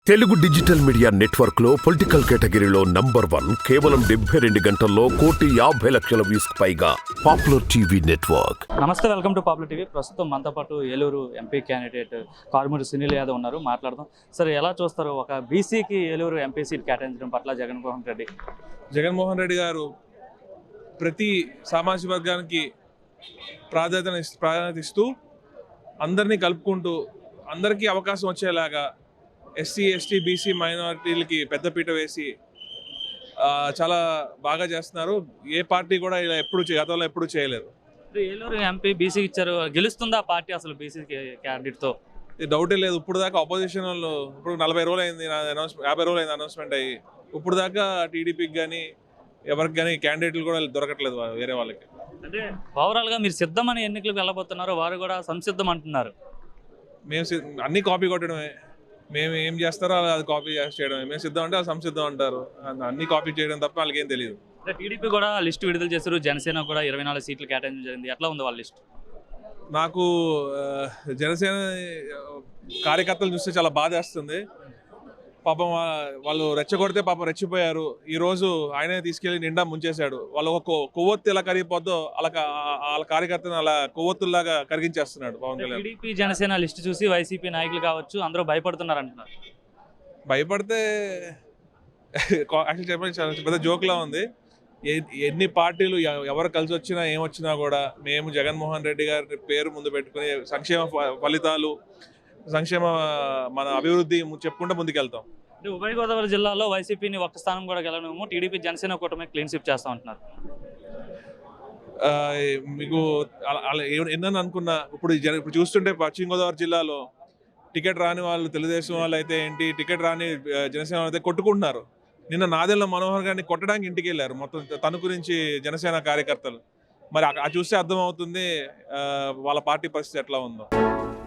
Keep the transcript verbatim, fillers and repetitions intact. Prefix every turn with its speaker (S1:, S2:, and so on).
S1: Telugu digital media network లో political కేటగిరీలో number one కేవలం డెబ్బై రెండు గంటల్లో కోటి యాభై లక్షల వ్యూస్ పైగా పాపులర్ టీవీ నెట్వర్క్.
S2: నమస్తే, వెల్కమ్ టు పాపులర్ టీవీ. ప్రస్తుతం మనతో పాటు ఏలూరు ఎంపీ క్యాండిడేట్ కారుమూరి సునీల్ యాదవ్ ఉన్నారు. మాట్లాడదాం. సార్, ఎలా చూస్తారు ఒక బీసీకి ఏలూరు ఎంపీ సీట్ కేటాయించడం పట్ల జగన్మోహన్ రెడ్డి?
S3: జగన్మోహన్ రెడ్డి గారు ప్రతి సామాజిక వర్గానికి ప్రాధాన్యత ప్రాధాన్యత ఇస్తూ అందరినీ కలుపుకుంటూ అందరికీ అవకాశం వచ్చేలాగా ఎస్సీ ఎస్టీ బీసీ మైనారిటీలకి పెద్దపీట వేసి చాలా బాగా చేస్తున్నారు. ఏ పార్టీ కూడా ఇలా ఎప్పుడు గతంలో ఎప్పుడు చేయలేదు.
S2: ఏలూరు ఎంపీ బీసీకి ఇచ్చారు, గెలుస్తుందా పార్టీ అసలు బీసీ క్యాండిడేట్తో?
S3: డౌటే లేదు. ఇప్పుడు దాకా అపోజిషన్ వాళ్ళు ఇప్పుడు నలభై రోజులు అయింది అనౌన్స్ యాభై రోజులు అయింది అనౌన్స్మెంట్ అయ్యి ఇప్పుడు దాకా టీడీపీకి కానీ ఎవరికి కానీ క్యాండిడేట్లు కూడా దొరకట్లేదు వేరే వాళ్ళకి.
S2: అంటే ఓవరాల్గా మీరు సిద్ధమని ఎన్నికలకు వెళ్ళబోతున్నారు, వారు కూడా సంసిద్ధం అంటున్నారు.
S3: మేము అన్ని కాపీ కొట్టడమే, మేము ఏం చేస్తారో అది కాపీ చేయడమే. మేము సిద్ధం అంటే అది సంసిద్ధం అంటారు. అన్ని కాపీ చేయడం తప్ప వాళ్ళకి ఏం తెలియదు.
S2: టీడీపీ కూడా లిస్టు విడుదల చేశారు, జనసేన కూడా ఇరవై నాలుగు సీట్లు కేటాయించడం జరిగింది. ఎట్లా ఉంది వాళ్ళ లిస్ట్?
S3: నాకు జనసేన కార్యకర్తలు చూస్తే చాలా బాధ వేస్తుంది. పాపం వాళ్ళు రెచ్చగొడితే పాపం రెచ్చిపోయారు. ఈ రోజు ఆయనే తీసుకెళ్లి నిండా ముంచేశాడు. వాళ్ళు ఒక కొవ్వొత్తి ఎలా కరిగిపోద్దో అలా వాళ్ళ కార్యకర్తను అలా కొవ్వొత్తుల్లాగా కరిగించేస్తున్నాడు పవన్ కళ్యాణ్.
S2: టీడీపీ జనసేన లిస్టు చూసి వైసీపీ నాయకులు కావచ్చు అందరూ భయపడుతున్నారు అంటున్నారు.
S3: భయపడితే యాక్చువల్ చెప్పండి చాలా పెద్ద జోక్లా ఉంది. ఎన్ని పార్టీలు ఎవరు కలిసి వచ్చినా ఏమొచ్చినా కూడా మేము జగన్మోహన్ రెడ్డి గారి పేరు ముందు పెట్టుకుని సంక్షేమ ఫలితాలు సంక్షేమ మన అభివృద్ధి చెప్పుకుంటే ముందుకెళ్తాం.
S2: అంటే ఉభయ గోదావరి జిల్లాలో వైసీపీని ఒక్క స్థానం కూడా గెలవనేమో, టీడీపీ జనసేన కూటమి క్లీన్ స్వీప్ చేస్తా ఉంటున్నారు.
S3: మీకు అలా ఎన్నని అనుకున్నా ఇప్పుడు ఇప్పుడు చూస్తుంటే పశ్చిమ గోదావరి జిల్లాలో టికెట్ రాని వాళ్ళు తెలుగుదేశం వాళ్ళు అయితే ఏంటి, టికెట్ రాని జనసేన వాళ్ళు అయితే కొట్టుకుంటున్నారు. నిన్న నాదెళ్ల మనోహర్ గారిని కొట్టడానికి ఇంటికి వెళ్ళారు మొత్తం తణుకు నుంచి జనసేన కార్యకర్తలు. మరి అది చూస్తే అర్థమవుతుంది వాళ్ళ పార్టీ పరిస్థితి ఎట్లా ఉందో.